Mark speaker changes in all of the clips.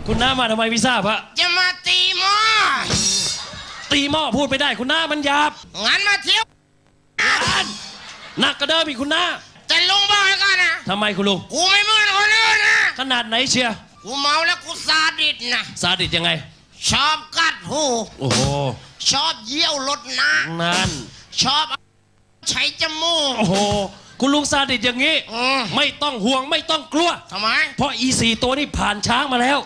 Speaker 1: คุณน้ามาทำไมไม่ทราบฮะ
Speaker 2: จะมาตีหม้อ
Speaker 1: ตีหม้อพูดไม่ได้คุณน้ามันหยาบ
Speaker 2: งั้นมาเที่ยว
Speaker 1: หนักกระเดิมอีกคุณน้า
Speaker 2: แต่ลุงบอกให้ก่อนนะ
Speaker 1: ทำไมคุณลุง
Speaker 2: กูไม่เหมือนคนอื่นนะ
Speaker 1: ขนาดไหนเชียร์
Speaker 2: กูเมาแล้วกูซาดิสนะ
Speaker 1: ซาดิสยังไง
Speaker 2: ชอบกัดหู
Speaker 1: โอ้โห
Speaker 2: ชอบเยี่ยวรถน้ำ
Speaker 1: นั่น
Speaker 2: ชอบใช้จมูก
Speaker 1: โอ้โหคุณลุงซาดิสอย่างนี้ไม่ต้องห่วงไม่ต้องกลัว
Speaker 2: ทำไม
Speaker 1: เพราะอี4ตัวนี้ผ่านช้างมาแล้ว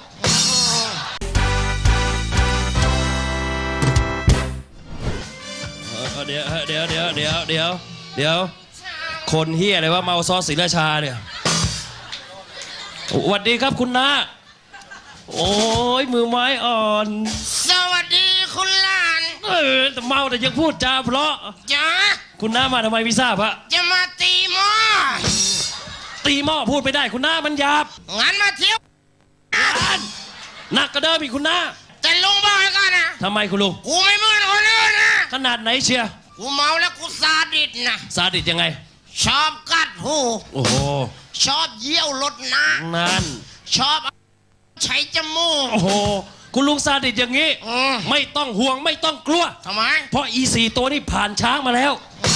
Speaker 1: เดี๋ยวคนเฮียอะไรว่าเมาซอสศรีราชาเนี่ยสวัสดีครับคุณน้าโอ้ยมือไม้อ่อน
Speaker 2: สวัสดีคุณหลาน
Speaker 1: แต่เมาแต่ยังพูดจาเพราะ
Speaker 2: จ้า
Speaker 1: คุณน้ามาทำไมไม่ทราบฮะ
Speaker 2: จะมาตีหม้อ
Speaker 1: ตีหม้อพูดไม่ได้คุณน้ามันหยาบ
Speaker 2: งั้นมาเที่ยว
Speaker 1: หนักกระเดิมอีกคุณน้า
Speaker 2: แต่ลุงบอกให้ก่อนนะ
Speaker 1: ทำไมคุณลุง
Speaker 2: กูไม่เหมือนคนอื่นนะ
Speaker 1: ขนาดไหนเชียร์
Speaker 2: กูเมาแล้วกูซาดิสนะ
Speaker 1: ซาดิสยังไง
Speaker 2: ชอบกัดหู
Speaker 1: โอ้โห
Speaker 2: ชอบเยี่ยวรถน้ำ
Speaker 1: นั่น
Speaker 2: ชอบใช้จมูก
Speaker 1: โอ้โหคุณลุงซาดิสอย่างนี้ไม่ต้องห่วงไม่ต้องกลัว
Speaker 2: ทำไม
Speaker 1: เพราะอี4ตัวนี้ผ่านช้างมาแล้ว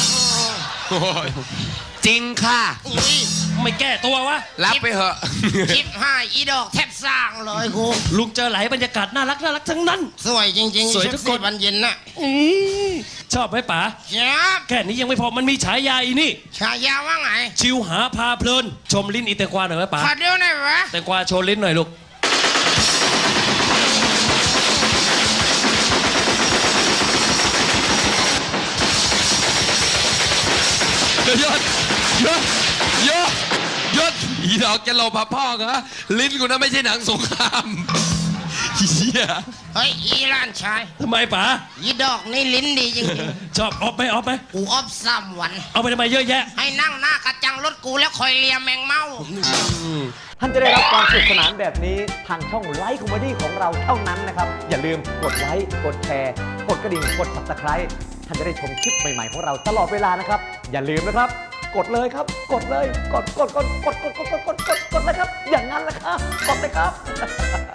Speaker 3: จริงค่ะ
Speaker 1: ไม่แก้ตัววะ
Speaker 3: รับไปเหอะ
Speaker 2: คลิปห้าอีดอกแทบสร้างเลยครู
Speaker 1: ลุงเจอหลายบรรยากาศน่ารักทั้งนั้น
Speaker 2: สวยจริงๆ
Speaker 1: สวยทุกคน
Speaker 2: วันเย็นน่ะ
Speaker 1: ชอบไหมป๋า
Speaker 2: ครับ
Speaker 1: แค่นี้ยังไม่พอมันมีฉายาอีนี่
Speaker 2: ฉายาว่าไง
Speaker 1: ชิวหาพาเพลินชมลิ้นอีแตงกวาหน่อยไหมป๋า
Speaker 2: ขอเดียวหน่อยวะ
Speaker 1: แตงกวาโชว์ลิ้นหน่อยลูก
Speaker 3: ยศอีดอกจะหลบพ่อเหรอลิ้นกูน่ะไม่ใช่หนังสงครามเ
Speaker 2: ฮ้ยอีร้านชาย
Speaker 1: ทำไมป๋า
Speaker 2: อีดอกนี่ลิ้นดีจริง
Speaker 1: ๆชอบออฟไหม
Speaker 2: กูออฟ3 วัน
Speaker 1: เอาไปทำไมเยอะแยะ
Speaker 2: ให้นั่งหน้ากระจังรถกูแล้วคอยเลียแมงเม่า
Speaker 4: ท่านจะได้รับความสนุกสนานแบบนี้ทางช่องไลฟ์คอมเมดี้ของเราเท่านั้นนะครับอย่าลืมกดไลค์กดแชร์กดกระดิ่งกด Subscribe ท่านจะได้ชมคลิปใหม่ๆของเราตลอดเวลานะครับอย่าลืมนะครับกดเลยครับกดเลยกดเลยครับอย่างนั้นแหละครับกดเลยครับ